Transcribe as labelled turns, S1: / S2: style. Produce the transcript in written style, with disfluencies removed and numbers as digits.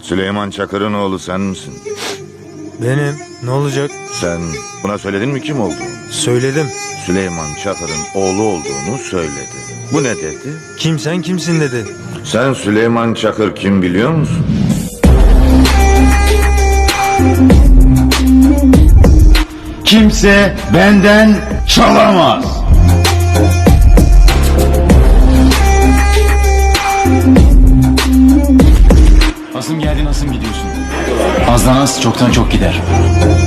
S1: Süleyman Çakır'ın oğlu sen misin?
S2: Benim. Ne olacak?
S1: Sen buna söyledin mi kim olduğunu?
S2: Söyledim.
S1: Süleyman Çakır'ın oğlu olduğunu söyledi. Bu ne dedi?
S2: Kim sen kimsin dedi.
S1: Sen Süleyman Çakır kim biliyor musun?
S3: Kimse benden çalamaz.
S4: Nasıl geldin, nasıl gidiyorsun? Azdan az, çoktan çok gider.